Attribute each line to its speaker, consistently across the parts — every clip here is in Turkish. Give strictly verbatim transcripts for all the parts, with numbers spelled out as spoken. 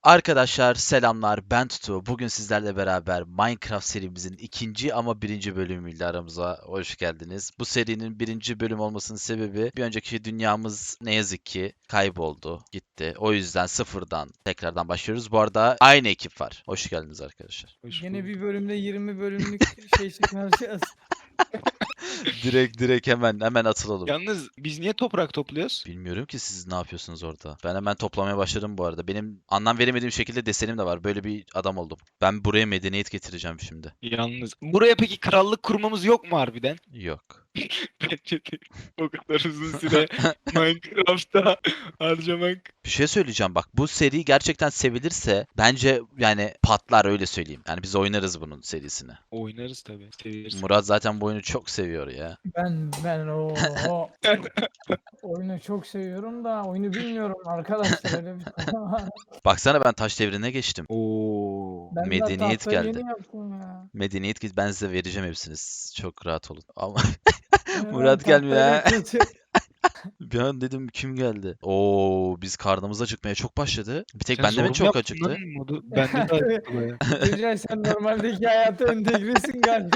Speaker 1: Arkadaşlar selamlar, ben Tutu. Bugün sizlerle beraber Minecraft serimizin ikinci ama birinci bölümüyle aramıza hoş geldiniz. Bu serinin birinci bölüm olmasının sebebi bir önceki dünyamız ne yazık ki kayboldu, gitti. O yüzden sıfırdan tekrardan başlıyoruz. Bu arada aynı ekip var. Hoş geldiniz arkadaşlar.
Speaker 2: Hoş
Speaker 3: Yine bir
Speaker 2: bulduk.
Speaker 3: bölümde yirmi bölümlük şey çıkaracağız.
Speaker 1: Direkt direkt hemen hemen atılalım.
Speaker 2: Yalnız biz niye toprak topluyoruz?
Speaker 1: Bilmiyorum ki siz ne yapıyorsunuz orada. Ben hemen toplamaya başladım bu arada. Benim anlam veremediğim şekilde desenim de var. Böyle bir adam oldum. Ben buraya medeniyet getireceğim şimdi.
Speaker 2: Yalnız. Buraya peki krallık kurmamız yok mu harbiden?
Speaker 1: Yok.
Speaker 2: Bence de o kadar uzun süre Minecraft'ta harcamak.
Speaker 1: Bir şey söyleyeceğim bak. Bu seri gerçekten sevilirse bence yani patlar, öyle söyleyeyim. Yani biz oynarız bunun serisini.
Speaker 2: Oynarız tabii. Severiz.
Speaker 1: Murat zaten bu oyunu çok seviyor ya.
Speaker 3: Ben ben o, o oyunu çok seviyorum da oyunu bilmiyorum arkadaşlar, öyle bir konu var.
Speaker 1: Baksana, ben taş devrine geçtim.
Speaker 2: Oo.
Speaker 3: Ben
Speaker 1: Medeniyet
Speaker 3: de tahtayı
Speaker 1: geldi.
Speaker 3: yeni yaptım ya.
Speaker 1: Medeniyet git, ben size vereceğim hepsini. Siz çok rahat olun. Ama
Speaker 3: Ben
Speaker 1: Murat gelmiyor
Speaker 3: tahtayla
Speaker 1: ha.
Speaker 3: kötü-
Speaker 1: Bir an dedim kim geldi? Oo, biz karnımız acıkmaya çok başladı. Bir tek
Speaker 2: Sen
Speaker 1: bende
Speaker 2: zor
Speaker 1: mi
Speaker 2: mu
Speaker 1: çok
Speaker 2: yaptın
Speaker 1: acıktı?
Speaker 2: lan modu? Bende de acıktı baya.
Speaker 3: Tuncay, sen normaldeki hayata entegresin galiba.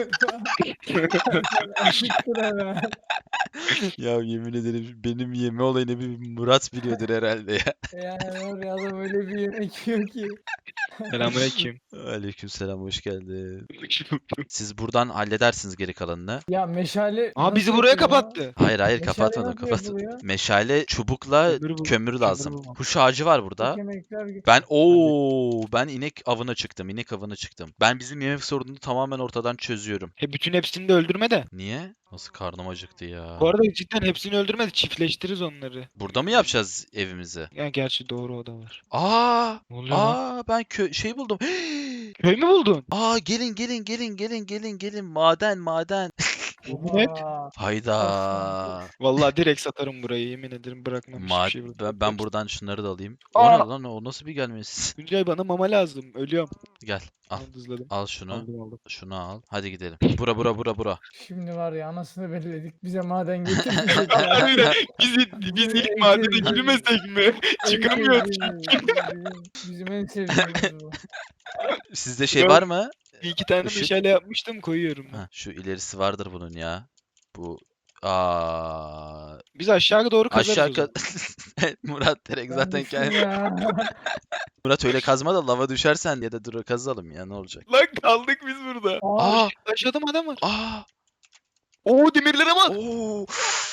Speaker 3: Acıktın hemen.
Speaker 1: Ya yemin ederim benim yeme olayını bir Murat biliyordur herhalde ya.
Speaker 3: Yani oraya da böyle bir yemek yiyor ki.
Speaker 2: Selamünaleyküm.
Speaker 1: Aleykümselam, hoş geldin.
Speaker 2: Hoş bulduk.
Speaker 1: Siz buradan halledersiniz geri kalanını.
Speaker 3: Ya meşale
Speaker 2: Aa bizi
Speaker 3: nasıl
Speaker 2: buraya
Speaker 3: yapılıyor?
Speaker 2: kapattı.
Speaker 1: Hayır hayır,
Speaker 3: Meşale
Speaker 1: kapatmadım
Speaker 3: nasıl
Speaker 1: kapatmadım.
Speaker 3: yapılıyor?
Speaker 1: Meşale, çubukla
Speaker 2: Kömür bul-
Speaker 1: kömür
Speaker 2: kömür
Speaker 1: lazım.
Speaker 2: bulmam.
Speaker 1: Kuş ağacı var burada.
Speaker 3: Yemekler gibi.
Speaker 1: Ben ooo ben inek avına çıktım. İnek avına çıktım. Ben bizim yemek sorununu tamamen ortadan çözüyorum.
Speaker 2: He bütün hepsini de öldürme de.
Speaker 1: Niye? Nasıl karnım acıktı ya.
Speaker 2: Bu arada cidden hepsini öldürme de çiftleştiririz onları.
Speaker 1: Burada mı yapacağız evimizi?
Speaker 2: Ya gerçi doğru o da var.
Speaker 1: Aa!
Speaker 2: Ne oluyor lan?
Speaker 1: Aa, ben kö şey buldum.
Speaker 2: Köy mü buldun?
Speaker 1: Aa, gelin gelin gelin gelin gelin gelin, maden maden.
Speaker 2: Yemin et.
Speaker 3: Aa,
Speaker 1: Hayda.
Speaker 2: Vallahi direkt satarım burayı, yemin ederim bırakmam hiçbir
Speaker 1: Ma
Speaker 2: şey burada.
Speaker 1: ben, ben buradan şunları da alayım. O
Speaker 2: Aa!
Speaker 1: ne lan, o nasıl bir gelmesi?
Speaker 2: Tuncay bana mama lazım. Ölüyorum.
Speaker 1: Gel al.
Speaker 2: Tamam, hızladım.
Speaker 1: Al şunu.
Speaker 2: Aldım aldım.
Speaker 1: Şunu al. Hadi gidelim. Bura bura bura bura.
Speaker 3: şimdi var ya, anasını belledik, bize maden getirmeyecek ya.
Speaker 2: Harbiden biz, biz ilk madene girmesek mi? Çıkamıyoruz.
Speaker 3: Bizim, bizim en sevdiğimiz bu.
Speaker 1: Sizde şey
Speaker 2: Yok.
Speaker 1: var mı?
Speaker 2: Bir iki tane
Speaker 1: Işık.
Speaker 2: meşale yapmıştım, koyuyorum. ben.
Speaker 1: Ha, şu ilerisi vardır bunun ya. Bu aa
Speaker 2: Biz aşağı doğru kazarız
Speaker 1: aşağı
Speaker 2: o zaman.
Speaker 1: ka- Murat direkt
Speaker 3: Ben
Speaker 1: zaten
Speaker 3: düştüm
Speaker 1: kendi.
Speaker 3: ya.
Speaker 1: Murat öyle kazma da lava düşersen ya da dur kazalım ya, ne olacak?
Speaker 2: Lan kaldık biz burada.
Speaker 3: Aa,
Speaker 1: Aa
Speaker 2: Aşağıda mı adam var?
Speaker 1: aa
Speaker 2: Oo demirlere bak.
Speaker 1: oo.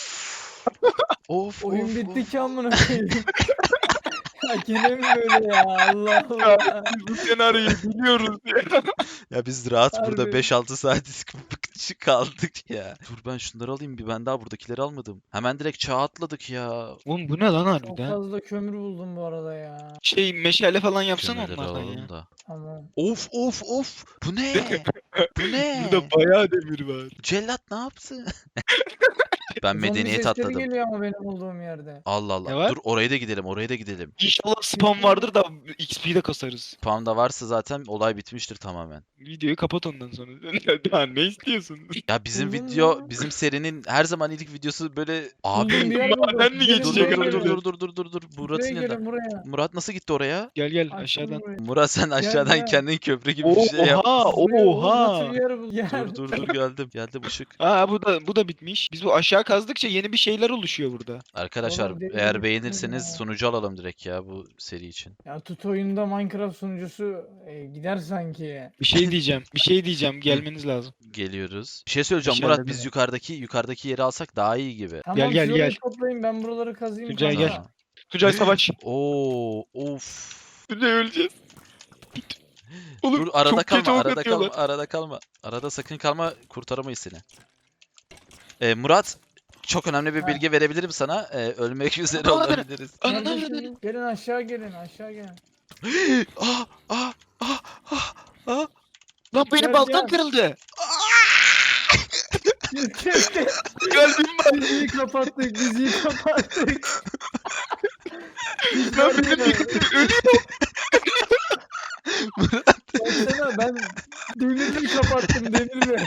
Speaker 1: Of
Speaker 3: oyun
Speaker 1: of,
Speaker 3: bitti
Speaker 1: of.
Speaker 3: ki amına koyayım. Ya gene mi böyle ya? Allah
Speaker 2: Ya
Speaker 3: Allah.
Speaker 2: biz bu senaryoyu biliyoruz ya.
Speaker 1: Ya biz rahat burada
Speaker 3: Harbi.
Speaker 1: beş altı saat bıkçı kaldık ya. Dur ben şunları alayım, bir ben daha buradakileri almadım. Hemen direkt çağa atladık ya.
Speaker 2: Oğlum bu ne lan
Speaker 3: Çok
Speaker 2: harbiden?
Speaker 3: fazla kömür buldum bu arada ya.
Speaker 2: Şey meşale falan yapsana
Speaker 1: Kömürleri
Speaker 2: onlardan
Speaker 1: alalım
Speaker 2: ya.
Speaker 1: da.
Speaker 3: Tamam.
Speaker 1: Of of of. Bu ne? Bu ne?
Speaker 2: Burada bayağı demir var.
Speaker 1: Cellat ne yaptı? Ben
Speaker 3: Zombi
Speaker 1: medeniyet
Speaker 3: sesleri
Speaker 1: atladım.
Speaker 3: geliyor ama benim olduğum yerde.
Speaker 1: Allah
Speaker 2: Ne
Speaker 1: Allah.
Speaker 2: var?
Speaker 1: Dur oraya da gidelim, oraya da gidelim.
Speaker 2: İnşallah spam vardır da X P'yi de kasarız.
Speaker 1: Spam'da varsa zaten olay bitmiştir tamamen.
Speaker 2: Videoyu kapat ondan sonra. Daha ne istiyorsun?
Speaker 1: Ya bizim
Speaker 3: Buldun
Speaker 1: video,
Speaker 3: mu?
Speaker 1: bizim serinin her zaman ilk videosu böyle
Speaker 3: Buldum,
Speaker 1: abi.
Speaker 3: bir yer buldum.
Speaker 2: maden mi
Speaker 3: Gelin
Speaker 1: Dur
Speaker 2: geçecek
Speaker 1: dur
Speaker 3: buraya
Speaker 1: dur
Speaker 2: herhalde?
Speaker 3: gelin.
Speaker 1: dur dur dur dur dur.
Speaker 3: Buraya
Speaker 1: Murat'ın
Speaker 3: gelin
Speaker 1: yanında.
Speaker 3: buraya.
Speaker 1: Murat nasıl gitti oraya?
Speaker 2: Gel gel
Speaker 3: Açtım
Speaker 2: aşağıdan.
Speaker 3: burayı.
Speaker 1: Murat sen aşağıdan
Speaker 3: gel.
Speaker 1: kendin köprü gibi bir şey yap.
Speaker 2: Oha
Speaker 3: Buraya, oğlum,
Speaker 2: oha.
Speaker 3: nasıl bir yer bu? Yer.
Speaker 1: Dur dur dur geldim. Geldim ışık.
Speaker 2: Aa bu da bu da bitmiş. Biz bu aşağı kazdıkça yeni bir şeyler oluşuyor burada.
Speaker 1: Arkadaşlar
Speaker 3: Oğlum, deli
Speaker 1: eğer
Speaker 3: misiniz
Speaker 1: beğenirseniz
Speaker 3: ya?
Speaker 1: sunucu alalım direkt ya bu seri için.
Speaker 3: Ya tut oyunda Minecraft sunucusu e, gider sanki.
Speaker 2: Bir şey diyeceğim. Bir şey diyeceğim. Gelmeniz lazım.
Speaker 1: Geliyoruz. Bir şey söyleyeceğim
Speaker 2: Aşağıda
Speaker 1: Murat, biz
Speaker 2: değil mi?
Speaker 1: yukarıdaki yukarıdaki yeri alsak daha iyi gibi.
Speaker 3: Tamam,
Speaker 2: Gel, gel,
Speaker 3: siz orayı
Speaker 2: gel.
Speaker 3: toplayın, ben buraları kazıyım.
Speaker 2: Tuncay,
Speaker 3: kanka.
Speaker 2: gel. Tuncay savaş.
Speaker 1: Oo of.
Speaker 2: Tuncay öleceğiz. Oğlum
Speaker 1: Dur arada
Speaker 2: çok kötü
Speaker 1: kalma,
Speaker 2: ok
Speaker 1: arada
Speaker 2: atıyorlar.
Speaker 1: kalma, arada kalma. Arada sakın kalma, kurtaramayız seni. Ee, Murat, çok önemli bir
Speaker 3: Ha.
Speaker 1: bilgi verebilirim sana. Ee, ölmek üzere
Speaker 2: Aa, bana-
Speaker 1: olabiliriz.
Speaker 2: Ananı
Speaker 3: Neredesiniz?
Speaker 2: avradını.
Speaker 3: Gelin aşağı gelin, aşağı gelin.
Speaker 1: Ah ah ah ah ah.
Speaker 2: Lan benim
Speaker 3: Gel,
Speaker 2: baltam
Speaker 3: gel.
Speaker 2: kırıldı.
Speaker 3: Kes kes kes.
Speaker 2: Kalbim var.
Speaker 3: Diziyi kapattık, diziyi kapattık.
Speaker 2: Lan benim ölüyorum.
Speaker 3: Baksana, ben demirleri kapattım, demirleri.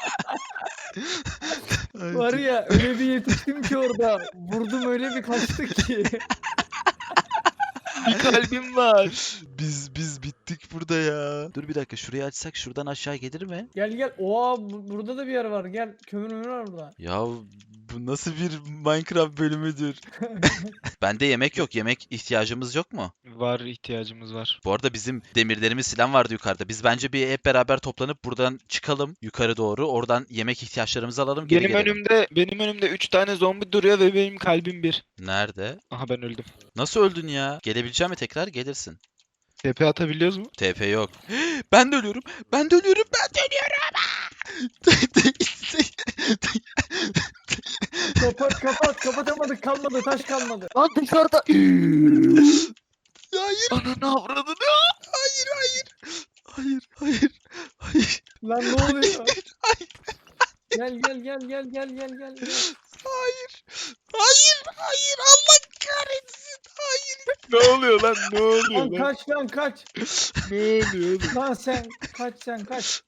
Speaker 3: Var ya, öyle bir yetiştim ki orada. Vurdum öyle bir kaçtık ki.
Speaker 2: Bir kalbim var.
Speaker 1: Biz biz bittik burada ya. Dur bir dakika, şurayı açsak şuradan aşağı gelir mi?
Speaker 3: Gel gel. Oha bu- burada da bir yer var. Gel. Kömür mümür var burada.
Speaker 1: Ya bu nasıl bir Minecraft bölümüdür? Bende yemek yok. Yemek ihtiyacımız yok mu?
Speaker 2: Var, ihtiyacımız var.
Speaker 1: Bu arada bizim demirlerimiz falan vardı yukarıda. Biz bence bir hep beraber toplanıp buradan çıkalım yukarı doğru. Oradan yemek ihtiyaçlarımızı alalım, geri
Speaker 2: Benim
Speaker 1: gelelim.
Speaker 2: önümde benim önümde üç tane zombi duruyor ve benim kalbim bir.
Speaker 1: Nerede?
Speaker 2: Aha ben öldüm.
Speaker 1: Nasıl öldün ya? Gelebilecek mi tekrar? Gelirsin.
Speaker 2: T P atabiliyoruz mu?
Speaker 1: T P yok. Ben de ölüyorum. Ben de ölüyorum. Ben de ölüyorum.
Speaker 3: Kapat kapat. Kapatamadık. Kalmadı. Taş kalmadı.
Speaker 2: Lan dışarıda.
Speaker 1: Hayır.
Speaker 2: Ananı avradını.
Speaker 1: Hayır, hayır. Hayır, hayır. Hayır.
Speaker 3: Lan ne oluyor? Gel gel gel gel gel gel gel. gel.
Speaker 1: Hayır. Hayır, hayır. Allah kahretsin. Hayır.
Speaker 2: Ne oluyor lan? Ne oluyor
Speaker 3: Lan
Speaker 2: lan?
Speaker 3: kaç lan kaç.
Speaker 2: Ne oluyor oğlum?
Speaker 3: Lan sen kaç sen kaç.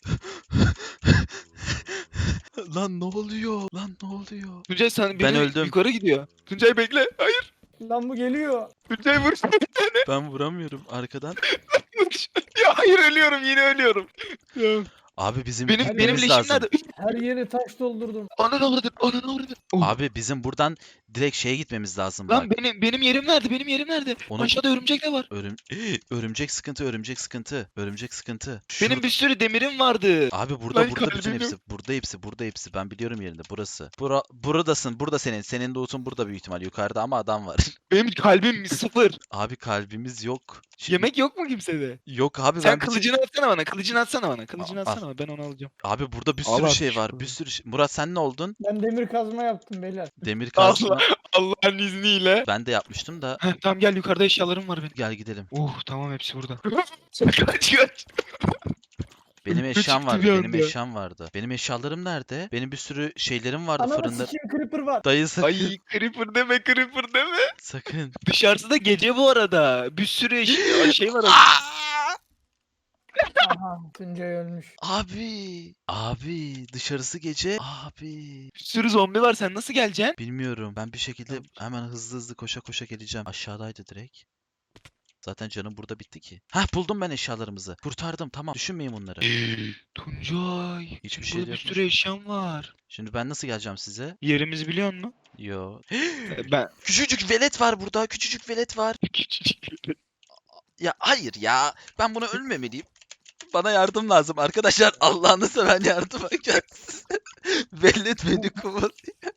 Speaker 1: Lan ne oluyor? Lan ne oluyor?
Speaker 2: Tuncay sen
Speaker 1: Ben
Speaker 2: beni
Speaker 1: öldüm.
Speaker 2: yukarı gidiyor. Tuncay bekle. Hayır.
Speaker 3: Lan bu geliyor.
Speaker 2: Tuncay vur.
Speaker 1: Ben vuramıyorum arkadan.
Speaker 2: Ya hayır ölüyorum yine ölüyorum. Ya.
Speaker 1: Abi bizim
Speaker 2: Benim
Speaker 3: Her
Speaker 2: benim
Speaker 1: gitmemiz
Speaker 2: leşim
Speaker 1: lazım.
Speaker 2: nerede?
Speaker 3: Her yeri taş doldurdum.
Speaker 2: Ananı avradın. Ananı avradın. Oh.
Speaker 1: Abi bizim buradan direkt şeye gitmemiz lazım
Speaker 2: Lan
Speaker 1: bak.
Speaker 2: benim benim yerim nerede? Benim yerim nerede?
Speaker 1: Onu-
Speaker 2: Aşağıda örümcek de var.
Speaker 1: Örüm örümcek sıkıntı, örümcek sıkıntı, örümcek sıkıntı. Şur-
Speaker 2: Benim bir sürü demirim vardı.
Speaker 1: Abi burada
Speaker 2: Lan
Speaker 1: burada bütün
Speaker 2: kalbim
Speaker 1: hepsi.
Speaker 2: yok.
Speaker 1: Burada hepsi, burada hepsi. Ben biliyorum yerinde. Burası. Bura buradasın. Burada senin. Senin loot'un burada büyük ihtimal. Yukarıda ama adam var.
Speaker 2: Benim kalbim sıfır.
Speaker 1: Abi kalbimiz yok. Şimdi-
Speaker 2: Yemek yok mu kimsede?
Speaker 1: Yok abi,
Speaker 2: Sen
Speaker 1: ben bir tek-
Speaker 2: kılıcını atsana bana. Kılıcını atsana bana. Kılıcını
Speaker 1: Al, al.
Speaker 2: atsana bana. Ben onu alacağım.
Speaker 1: Abi burada bir
Speaker 2: Al
Speaker 1: sürü
Speaker 2: abi,
Speaker 1: şey var.
Speaker 2: şu-
Speaker 1: Bir sürü şey. Murat sen ne oldun?
Speaker 3: Ben demir kazma yaptım beyler.
Speaker 1: Demir kazma.
Speaker 2: Allah'ın izniyle.
Speaker 1: Ben de yapmıştım da.
Speaker 2: Heh, tamam gel yukarıda eşyalarım var benim.
Speaker 1: Gel gidelim.
Speaker 2: Uh tamam hepsi burada. kaç kaç.
Speaker 1: Benim
Speaker 2: Üstü
Speaker 1: eşyam
Speaker 2: çıktı
Speaker 1: vardı.
Speaker 2: bir
Speaker 1: Benim
Speaker 2: anda.
Speaker 1: eşyam vardı. Benim eşyalarım nerede? Benim bir sürü şeylerim vardı
Speaker 3: Ananı
Speaker 1: fırında.
Speaker 3: sikeyim creeper var.
Speaker 1: Dayı sakın.
Speaker 2: Ay creeper deme creeper deme.
Speaker 1: Sakın.
Speaker 2: Dışarısı da gece bu arada. Bir sürü eş- şey var.
Speaker 3: Aha Tuncay ölmüş.
Speaker 1: Abi. Abi dışarısı gece. Abi.
Speaker 2: Bir sürü zombi var. Sen nasıl geleceksin?
Speaker 1: Bilmiyorum. Ben bir şekilde
Speaker 2: Tamam.
Speaker 1: hemen hızlı hızlı koşa koşa geleceğim. Aşağıdaydı direkt. Zaten canım burada bitti ki. Hah, buldum ben eşyalarımızı. Kurtardım, tamam. Düşünmeyin bunları.
Speaker 2: Tuncay.
Speaker 1: Hiçbir
Speaker 2: senin
Speaker 1: şey
Speaker 2: burada
Speaker 1: de
Speaker 2: bir
Speaker 1: yokmuş.
Speaker 2: sürü eşyan var.
Speaker 1: Şimdi ben nasıl geleceğim size?
Speaker 2: Yerimizi biliyor musun?
Speaker 1: Yo.
Speaker 2: Ben
Speaker 1: Küçücük velet var burada. Küçücük velet var. Ya hayır ya. Ben buna ölmemeliyim. Bana yardım lazım arkadaşlar. Allah'ını seven yardıma gelsin. Velet beni kovalıyor.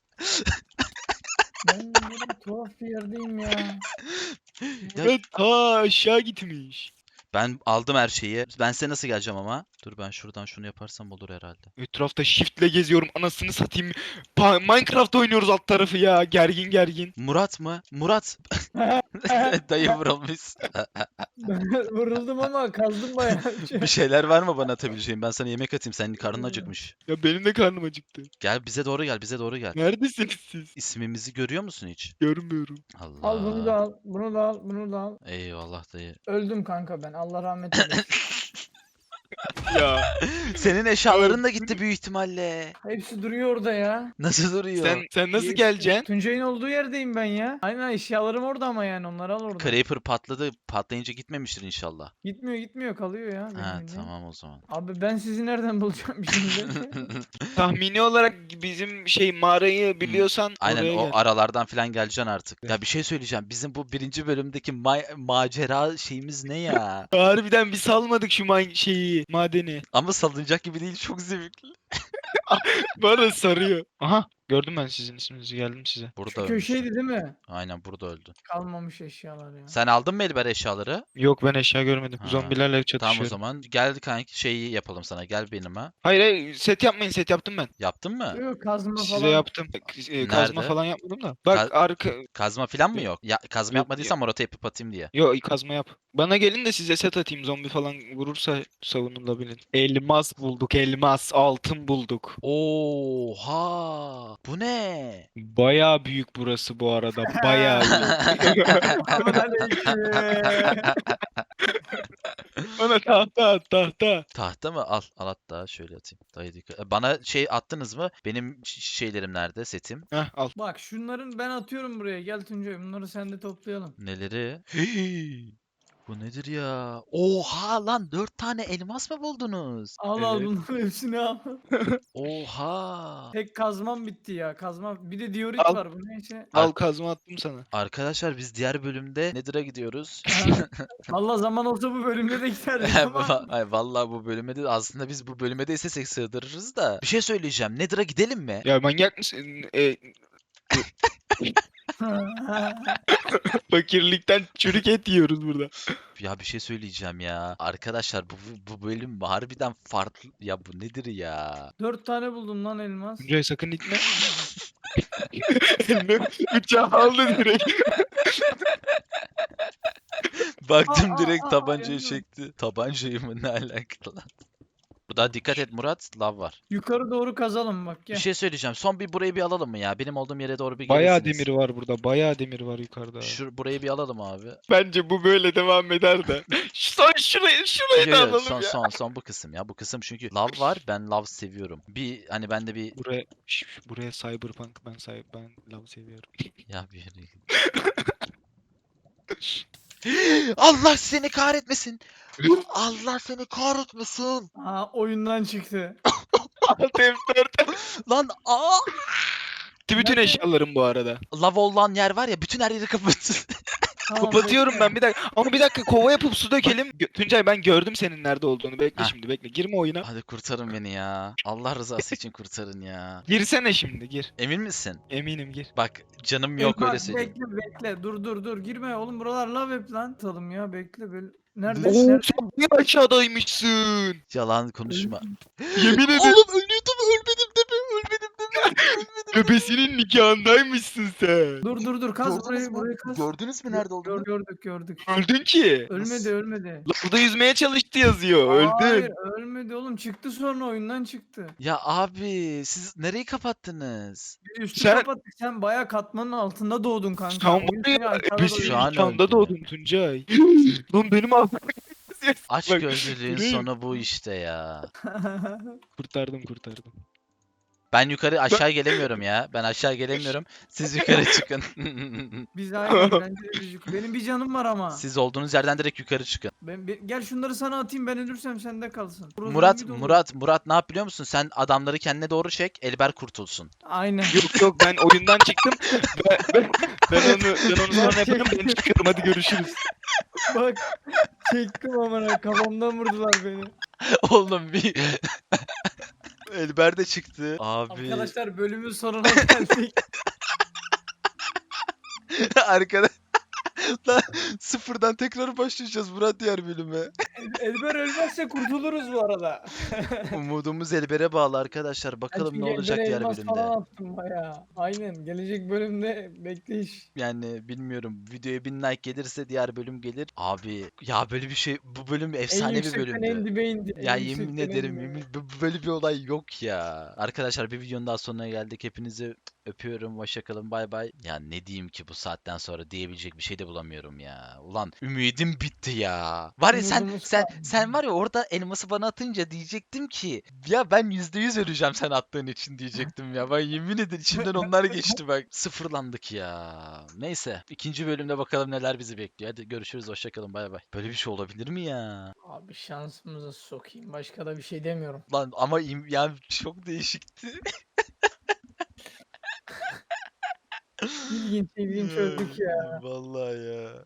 Speaker 3: Ben böyle tuhaf bir yerdeyim ya.
Speaker 1: Ya-
Speaker 2: Evet ta aşağı gitmiş.
Speaker 1: Ben aldım her şeyi. Ben size nasıl geleceğim ama? Dur, ben şuradan şunu yaparsam olur herhalde.
Speaker 2: Etrafta shiftle geziyorum anasını satayım. Pa- Minecraft oynuyoruz alt tarafı ya gergin gergin.
Speaker 1: Murat mı? Murat. Dayı vurulmuş.
Speaker 3: Vuruldum ama kazdım bayağı.
Speaker 1: Bir şeyler var mı bana atabileceğin? Ben sana yemek atayım. Senin karnın acıkmış.
Speaker 2: Ya benim de karnım acıktı.
Speaker 1: Gel bize doğru gel. Bize doğru gel.
Speaker 2: Neredesiniz siz?
Speaker 1: İsmimizi görüyor musun hiç?
Speaker 2: Görmüyorum.
Speaker 1: Allah.
Speaker 3: Al bunu da al. Bunu da al. Bunu da al.
Speaker 1: Eyvallah dayı.
Speaker 3: Öldüm kanka ben. Allah rahmet eylesin.
Speaker 2: Ya
Speaker 1: Senin eşyaların da gitti büyük ihtimalle.
Speaker 3: Hepsi duruyor orada ya.
Speaker 1: Nasıl duruyor?
Speaker 2: sen sen nasıl
Speaker 3: İyi-
Speaker 2: geleceksin?
Speaker 3: Tuncay'ın olduğu yerdeyim ben ya. Aynen eşyalarım orada ama yani onları al orada.
Speaker 1: Creeper patladı. Patlayınca gitmemiştir inşallah.
Speaker 3: Gitmiyor gitmiyor kalıyor ya. benim
Speaker 1: Ha
Speaker 3: bildiğim.
Speaker 1: tamam o zaman.
Speaker 3: Abi ben sizi nereden bulacağım şimdi?
Speaker 2: Tahmini olarak bizim şey mağarayı biliyorsan
Speaker 1: Aynen
Speaker 2: oraya
Speaker 1: o
Speaker 2: gel.
Speaker 1: aralardan falan geleceksin artık. Ya bir şey söyleyeceğim. Bizim bu birinci bölümdeki ma- macera şeyimiz ne ya?
Speaker 2: Harbiden bir salmadık şu man- şeyi madeni.
Speaker 1: Ama salınacak gibi değil, çok zevkli.
Speaker 2: Bana sarıyor. Aha gördüm ben sizin isminizi geldim size.
Speaker 1: Burada
Speaker 3: Şu
Speaker 1: ölmüş.
Speaker 3: köşeydi değil mi?
Speaker 1: Aynen burada öldü.
Speaker 3: Kalmamış eşyalar ya.
Speaker 1: Sen aldın mı Elber eşyaları?
Speaker 2: Yok ben eşya görmedim.
Speaker 1: Ha.
Speaker 2: Zombilerle çatışıyorum.
Speaker 1: Tamam o zaman. Gel kanki, şeyi yapalım sana. Gel benime.
Speaker 2: Hayır hayır set yapmayın set yaptım ben.
Speaker 1: Yaptın mı?
Speaker 3: Yok kazma
Speaker 2: Size
Speaker 3: falan.
Speaker 2: yaptım. E, Kazma
Speaker 1: Nerede?
Speaker 2: falan yapmadım da. Bak
Speaker 1: Ka-
Speaker 2: arka...
Speaker 1: Kazma falan mı yok? Ya kazma
Speaker 2: Yok,
Speaker 1: yapmadıysan Murat'a yapıp atayım diye.
Speaker 2: Yo kazma yap. Bana gelin de size set atayım. Zombi falan vurursa savunulabilin. Elmas bulduk elmas. Altın bulduk.
Speaker 1: Oha! Bu ne?
Speaker 2: Bayağı büyük burası bu arada. Bayağı büyük.
Speaker 3: Selamünaleyküm.
Speaker 2: Bana tahta at tahta.
Speaker 1: Tahta mı? Al. Al hatta şöyle atayım. Dayı dikkat. E, Bana şey attınız mı? Benim ş- şeylerim nerede? Setim.
Speaker 2: Heh al.
Speaker 3: Bak şunların ben atıyorum buraya. Gel Tuncay bunları sen de toplayalım.
Speaker 1: Neleri? Bu Bu nedir ya? Oha lan dört tane elmas mı buldunuz?
Speaker 3: Al al
Speaker 2: Evet.
Speaker 3: bunların hepsini al.
Speaker 1: Oha.
Speaker 3: Tek kazmam bitti ya. Kazmam. Bir de diorit
Speaker 2: Al.
Speaker 3: var. Bu ne işe?
Speaker 2: Al kazma attım sana.
Speaker 1: Arkadaşlar biz diğer bölümde Nether'a gidiyoruz.
Speaker 3: Allah zaman olsa bu bölümde de giderdik ama.
Speaker 1: Va- Ay, vallahi bu bölüme de aslında biz bu bölüme de istesek sığdırırız da. Bir şey söyleyeceğim. Nether'a gidelim mi?
Speaker 2: Ya manyak mısın? E, fakirlikten çürük et yiyoruz burada.
Speaker 1: Ya bir şey söyleyeceğim ya. Arkadaşlar bu, bu bölüm harbiden farklı. Ya bu nedir ya?
Speaker 3: Dört tane buldum lan elmas.
Speaker 2: Tuncay sakın gitme. Eline bıçağı aldı direkt.
Speaker 1: Baktım
Speaker 3: Aa, aa,
Speaker 1: direkt
Speaker 3: aa,
Speaker 1: tabancayı
Speaker 3: yanıyorum.
Speaker 1: çekti. Tabancayı mı ne alakalı? Burada dikkat et Murat. Lav var.
Speaker 3: Yukarı doğru kazalım bak
Speaker 1: Bir
Speaker 3: gel.
Speaker 1: şey söyleyeceğim. Son bir burayı bir alalım mı ya? Benim olduğum yere doğru bir
Speaker 2: Bayağı
Speaker 1: gelirsiniz.
Speaker 2: demir var burada. Bayağı demir var yukarıda.
Speaker 1: Şu burayı bir alalım abi.
Speaker 2: Bence bu böyle devam eder de. Son şurayı şurayı
Speaker 1: Yo,
Speaker 2: da
Speaker 1: yo,
Speaker 2: alalım
Speaker 1: son
Speaker 2: ya.
Speaker 1: son son bu kısım ya. Bu kısım çünkü lav var. Ben lav seviyorum. Bir hani bende bir
Speaker 2: Buraya şş, şş, buraya Cyberpunk ben say ben love seviyorum.
Speaker 1: ya bir yere git. Allah seni kahretmesin. Allah seni kahretmesin.
Speaker 3: Aa oyundan çıktı.
Speaker 2: Alt F dört.
Speaker 1: Lan aa.
Speaker 2: Bütün
Speaker 3: Nerede?
Speaker 2: eşyalarım bu arada.
Speaker 1: Lav olan yer var ya bütün her yeri kapat.
Speaker 3: Tamam,
Speaker 2: Kapatıyorum
Speaker 3: bekle.
Speaker 2: ben bir dakika. Ama bir dakika kova yapıp su dökelim. Gö- Tuncay ben gördüm senin nerede olduğunu. Bekle
Speaker 1: Ha.
Speaker 2: şimdi bekle. Girme oyuna.
Speaker 1: Hadi kurtarın beni ya. Allah rızası için kurtarın ya.
Speaker 2: Girsene şimdi gir.
Speaker 1: Emin misin?
Speaker 2: Eminim gir.
Speaker 1: Bak canım
Speaker 3: Ey,
Speaker 1: yok
Speaker 3: bak,
Speaker 1: öyle söyleyeyim.
Speaker 3: Bekle bekle dur dur dur girme oğlum buralar lav hep lan. Atalım ya bekle böyle. Nerede?
Speaker 2: Oo
Speaker 3: Nerede?
Speaker 2: sen niye aşağıdaymışsın?
Speaker 1: Yalan konuşma.
Speaker 2: Yemin ederim.
Speaker 1: Oğlum ölüyordum ölmedim deme ölmedim deme.
Speaker 2: Bebesinin nikahındaymışsın sen.
Speaker 3: Dur dur dur kaz
Speaker 1: Gördünüz
Speaker 3: burayı
Speaker 1: mü?
Speaker 3: burayı kaz.
Speaker 1: Gördünüz mü nerede olduğunu?
Speaker 3: Gör, gördük gördük.
Speaker 2: Öldün ki.
Speaker 3: Ölmedi ölmedi.
Speaker 2: Burada yüzmeye çalıştı yazıyor. Öldün.
Speaker 3: Hayır ölmedi oğlum çıktı sonra oyundan çıktı.
Speaker 1: Ya abi siz nereyi kapattınız?
Speaker 3: Biz üstü
Speaker 2: Sen-
Speaker 3: kapattık sen baya katmanın altında doğdun kanka.
Speaker 2: Sen
Speaker 3: Oyun
Speaker 2: var
Speaker 3: seni
Speaker 2: ya
Speaker 3: aşağıda
Speaker 2: ebesinin
Speaker 1: Şu an
Speaker 2: nikahında
Speaker 1: öldü.
Speaker 2: doğdun Tuncay. Lan benim ağzım.
Speaker 1: Aç
Speaker 2: Bak,
Speaker 1: gözlülüğün
Speaker 2: göreyim.
Speaker 1: sonu bu işte ya.
Speaker 3: doyuyor.
Speaker 2: Kurtardım kurtardım.
Speaker 1: Ben yukarı aşağı gelemiyorum ya. Ben aşağı gelemiyorum. Siz yukarı çıkın.
Speaker 3: Biz aynı bence de biz yuk- Benim bir canım var ama.
Speaker 1: Siz olduğunuz yerden direkt yukarı çıkın.
Speaker 3: Ben, be- gel şunları sana atayım ben ölürsem sende kalsın. Burası
Speaker 1: Murat,
Speaker 3: zombi dolu.
Speaker 1: Murat, Murat ne yap biliyor musun? Sen adamları kendine doğru çek, Elber kurtulsun.
Speaker 3: Aynen.
Speaker 2: Yok yok ben oyundan çıktım. Ben, ben, ben onu ben onu sonra yaparım. Ben çıkıyorum hadi görüşürüz.
Speaker 3: Bak çektim amına kafamdan vurdular beni.
Speaker 1: Oğlum bir... Elber de çıktı. Abi.
Speaker 3: Arkadaşlar bölümün sonuna geldik.
Speaker 1: Arkadaş. Lan sıfırdan tekrar başlayacağız Murat diğer bölüme.
Speaker 3: Elber ölmezse kurtuluruz bu arada.
Speaker 1: Umudumuz Elber'e bağlı arkadaşlar. Bakalım ne
Speaker 3: Çünkü
Speaker 1: olacak
Speaker 3: Elber'e
Speaker 1: diğer
Speaker 3: elmas
Speaker 1: bölümde.
Speaker 3: falan attım baya. Aynen gelecek bölümde bekleyiş.
Speaker 1: Yani bilmiyorum. Videoya bin like gelirse diğer bölüm gelir. Abi ya böyle bir şey bu bölüm efsane
Speaker 3: en
Speaker 1: bir
Speaker 3: yüksekten en
Speaker 1: bölümdü.
Speaker 3: dibe indi.
Speaker 1: Ya
Speaker 3: en
Speaker 1: yemin
Speaker 3: yüksekten en
Speaker 1: ederim
Speaker 3: dibe.
Speaker 1: yemin bu- böyle bir olay yok ya. Arkadaşlar bir videonun daha sonuna geldik. Hepinizi öpüyorum. Hoşça kalın. Bay bay. Ya ne diyeyim ki bu saatten sonra diyebilecek bir şey de bulamıyorum ya. Ulan ümidim bitti ya. Var ya sen
Speaker 3: Umudumuz
Speaker 1: sen
Speaker 3: kaldı.
Speaker 1: sen var ya orada elması bana atınca diyecektim ki ya ben yüzde yüz öleceğim sen attığın için diyecektim ya. Ben yemin ederim içimden onlar geçti bak. Sıfırlandık ya. Neyse ikinci bölümde bakalım neler bizi bekliyor. Hadi görüşürüz. Hoşça kalın. Bay bay. Böyle bir şey olabilir mi ya?
Speaker 3: Abi şansımıza sokayım. Başka da bir şey demiyorum.
Speaker 1: Lan ama im- yani çok değişikti.
Speaker 3: İlginç ilginç öldük ya.
Speaker 1: Vallahi ya.